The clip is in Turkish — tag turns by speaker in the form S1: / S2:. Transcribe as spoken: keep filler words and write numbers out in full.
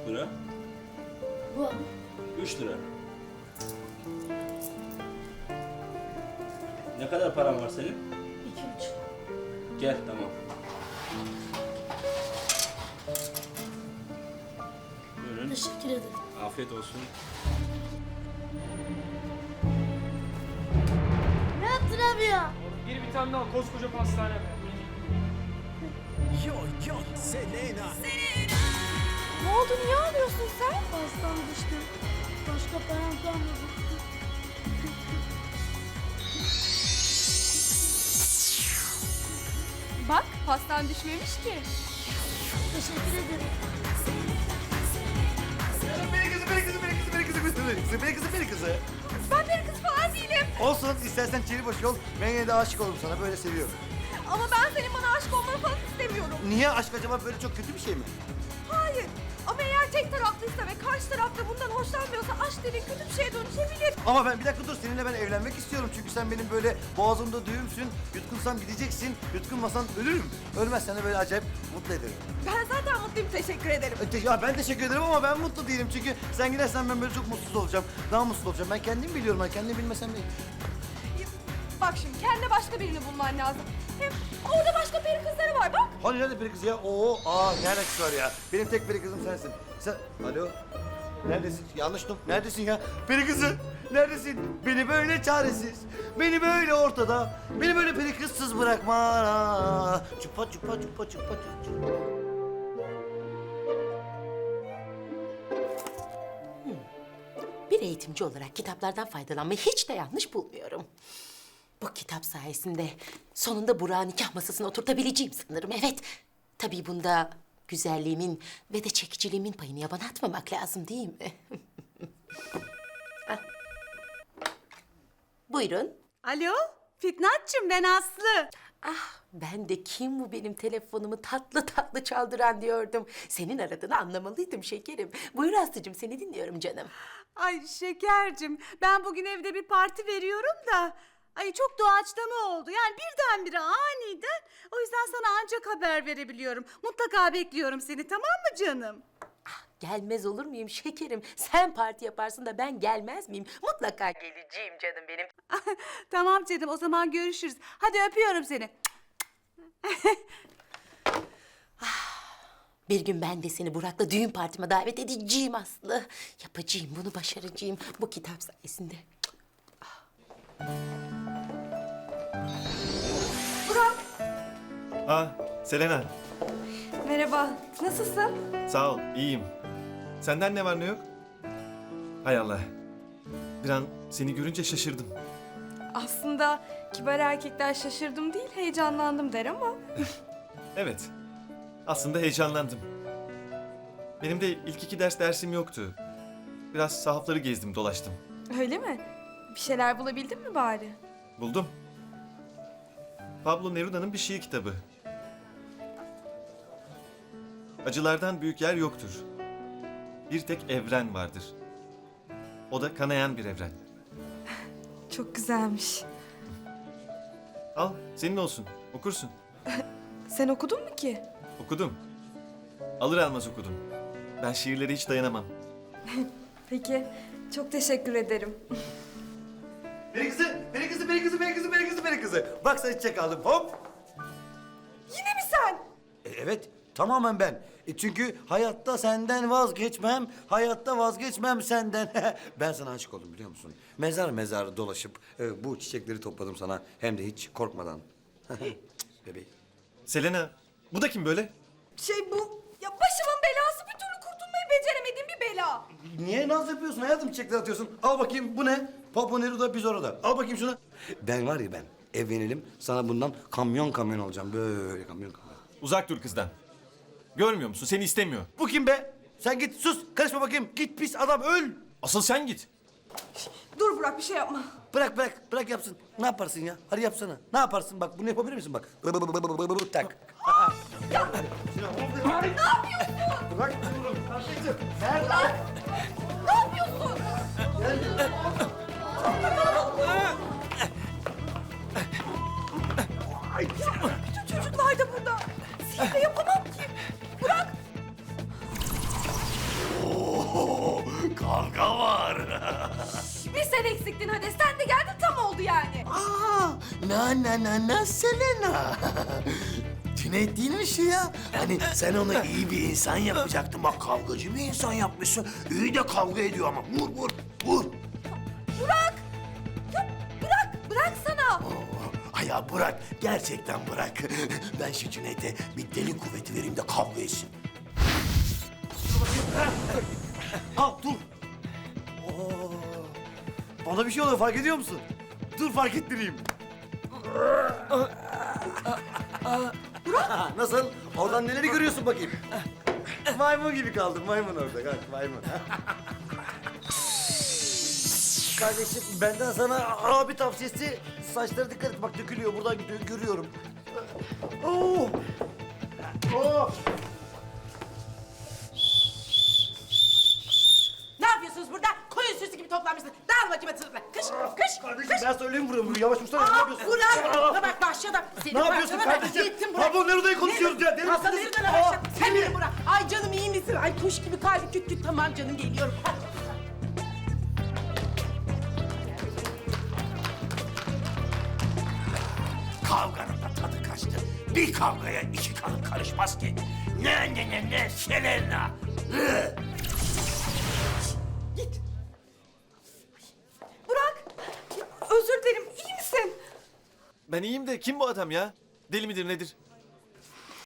S1: buçuk lira.
S2: Bu.
S1: Üç lira. Ne kadar paran var senin?
S2: İki buçuk.
S1: Gel, tamam. Buyurun.
S2: Teşekkür ederim.
S1: Afiyet olsun.
S2: Ne yaptın abi ya?
S3: Bir bir tane daha koskoca pastane be.
S4: Yo yo Selena.
S5: Ne oldu? Niye ağlıyorsun sen?
S2: Pastam düştü. Başka param kalmadı.
S5: Bak, pastan düşmemiş ki.
S2: Teşekkür ederim.
S4: Beni kızı, beni kızı, beni kızı, beni kızı, beni kızı, beni kızı, beni kızı, beni kızı.
S5: Ben bir kız falan değilim.
S4: Olsun, istersen çeri boş ol. Ben yine de aşık oldum sana, böyle seviyorum.
S5: Ama ben senin bana aşık olmanı falan istemiyorum.
S4: Niye? Aşk acaba böyle çok kötü bir şey mi?
S5: Hayır. Ama eğer tek taraflıysa ve karşı taraf da bundan hoşlanmıyorsa aşk dediğin kötü bir şeye dönüşebilir.
S4: Ama ben bir dakika dur, seninle ben evlenmek istiyorum. Çünkü sen benim böyle boğazımda düğümsün. Yutkunsam gideceksin, yutkunmasan ölürüm. Ölmezsen de böyle acayip mutlu ederim.
S5: Ben zaten mutluyum, teşekkür ederim.
S4: E, te- Ya ben teşekkür ederim ama ben mutlu değilim. Çünkü sen gidersen ben böyle çok mutsuz olacağım. Daha mutsuz olacağım. Ben kendim biliyorum. Ben kendimi bilmesem de...
S5: Bak şimdi, kendine başka birini bulman lazım. Hem orada başka peri kızları var, bak.
S4: Hani nerede peri kızı ya? Oo, aa ne alakası var ya? Benim tek peri kızım sensin. Sen, alo? Neredesin? Yanlış duydum. Neredesin ya? Peri kızı, neredesin? Beni böyle çaresiz, beni böyle ortada, beni böyle peri kızsız bırakma. Aa, Çupa çupa çupa çupa çupa.
S6: Bir eğitimci olarak kitaplardan faydalanmayı hiç de yanlış bulmuyorum. Bu kitap sayesinde sonunda Burak'ı nikah masasına oturtabileceğim sanırım. Evet, tabii bunda güzelliğimin ve de çekiciliğimin payını yabana atmamak lazım değil mi? Ah. Buyurun.
S7: Alo, Fitnatçım ben Aslı.
S6: Ah, ben de kim bu benim telefonumu tatlı tatlı çaldıran diyordum. Senin aradığını anlamalıydım şekerim. Buyur Aslı'cığım, seni dinliyorum canım.
S7: Ay şekercim, ben bugün evde bir parti veriyorum da... Ay çok doğaçlama oldu. Yani birdenbire aniden. O yüzden sana ancak haber verebiliyorum. Mutlaka bekliyorum seni, tamam mı canım?
S6: Gelmez olur muyum şekerim? Sen parti yaparsın da ben gelmez miyim? Mutlaka geleceğim canım benim.
S7: Tamam canım, o zaman görüşürüz. Hadi öpüyorum seni.
S6: Bir gün ben de seni Burak'la düğün partime davet edeceğim Aslı. Yapacağım, bunu başaracağım bu kitap sayesinde.
S5: Burak,
S8: Aa, Selena.
S5: merhaba. Nasılsın?
S8: Sağ ol, iyiyim. Senden ne var ne yok? Hay Allah. Bir an seni görünce şaşırdım.
S5: Aslında kibar erkekler şaşırdım değil, heyecanlandım der ama...
S8: Evet, aslında heyecanlandım. Benim de ilk iki ders dersim yoktu. Biraz sahafları gezdim, dolaştım.
S5: Öyle mi? Bir şeyler bulabildin mi bari?
S8: Buldum. Pablo Neruda'nın bir şiir kitabı. Acılardan büyük yer yoktur. Bir tek evren vardır. O da kanayan bir evren.
S5: Çok güzelmiş.
S8: Al, senin olsun. Okursun.
S5: Sen okudun mu ki?
S8: Okudum. Alır almaz okudum. Ben şiirlere hiç dayanamam.
S5: Peki, çok teşekkür ederim.
S4: Peri kızı, peri kızı, peri kızı, peri kızı, peri kızı, peri kızı. Bak sana çiçek aldım, hop.
S5: Yine mi sen?
S4: E, evet, tamamen ben. E, çünkü hayatta senden vazgeçmem, hayatta vazgeçmem senden. Ben sana aşık oldum biliyor musun? Mezar mezar dolaşıp e, bu çiçekleri topladım sana. Hem de hiç korkmadan. Bebeğim.
S8: Selena, bu da kim böyle?
S5: Şey bu, ya başımın belası, bir türlü kurtulmayı beceremediğim bir bela.
S4: Niye naz yapıyorsun hayatım, çiçekler atıyorsun? Al bakayım, bu ne? Papa Neruda, biz orada. Al bakayım şunu. Ben var ya ben, evlenelim. Sana bundan kamyon kamyon alacağım. Böyle kamyon kamyon.
S8: Uzak dur kızdan. Görmüyor musun? Seni istemiyor.
S4: Bu kim be? Sen git sus, karışma bakayım. Git pis adam, öl.
S8: Asıl sen git.
S5: Dur Burak, bir şey yapma.
S4: Bırak bırak, bırak yapsın. Ne yaparsın ya? Hadi yapsana. Ne yaparsın bak, bunu yapabilir misin bak? Bı bı bı bı bı bı bı bı tak.
S5: Ne yapıyorsun?
S4: Bırak diyorum. Kardeşim. Nerede?
S5: Ne yapıyorsun? Bütün çocuklar da burada. Sihir de yapamam ki. Bırak.
S4: kavga var.
S5: Bir sen eksiktin hadi. Sen de geldin tam oldu yani.
S4: Aa, na na na na Selena. Cüneyt değil mi şu ya? Hani sen onu iyi bir insan yapacaktın. Bak kavgacı bir insan yapmışsın. İyi de kavga ediyor ama. Vur vur vur.
S5: Burak! Ya bırak, bıraksana.
S4: Ay ya bırak. Gerçekten bırak. Ben şu Cüneyt'e bir deli kuvveti vereyim de kavga etsin. Al dur. Oo. Bana bir şey oluyor fark ediyor musun? Dur fark ettireyim. Nasıl? Oradan neleri görüyorsun bakayım? Maymun gibi kaldım. Maymun orada. Kalk maymun. Kardeşim benden sana abi tavsiyesi saçlara dikkat et. Bak dökülüyor. Buradan gidiyor. Görüyorum. Oo. Oo.
S6: Ne yapıyorsunuz burada? Koyun sürüsü gibi toplanmışsınız. Dağıl bakayım atınızla. Kış, kış,
S4: Kardeşim
S6: kış.
S4: ben söyleyeyim vuruyorum. Yavaş vursana. Ne
S6: Aa,
S4: yapıyorsun?
S6: Burak!
S4: Aa.
S6: Buna bak başladım. Seni
S4: Ne yapıyorsun
S6: parçalama.
S4: kardeşim?
S6: Gittim Burak.
S4: Pablo Neruda'yı konuşuyoruz ya. Deli
S6: Hasan
S4: misiniz?
S6: nereden
S4: Aa,
S6: başladın? Sen beni Burak. Ay canım iyi misin? Ay kuş gibi kalbi küt küt tamam canım geliyorum. Hadi.
S4: Kavganın da tadı kaçtı. Bir kavgaya iki kadın karışmaz ki. Ne ne ne ne Selena. Hı.
S6: Git.
S5: Burak! Özür dilerim. İyi misin?
S8: Ben iyiyim de kim bu adam ya? Deli midir nedir?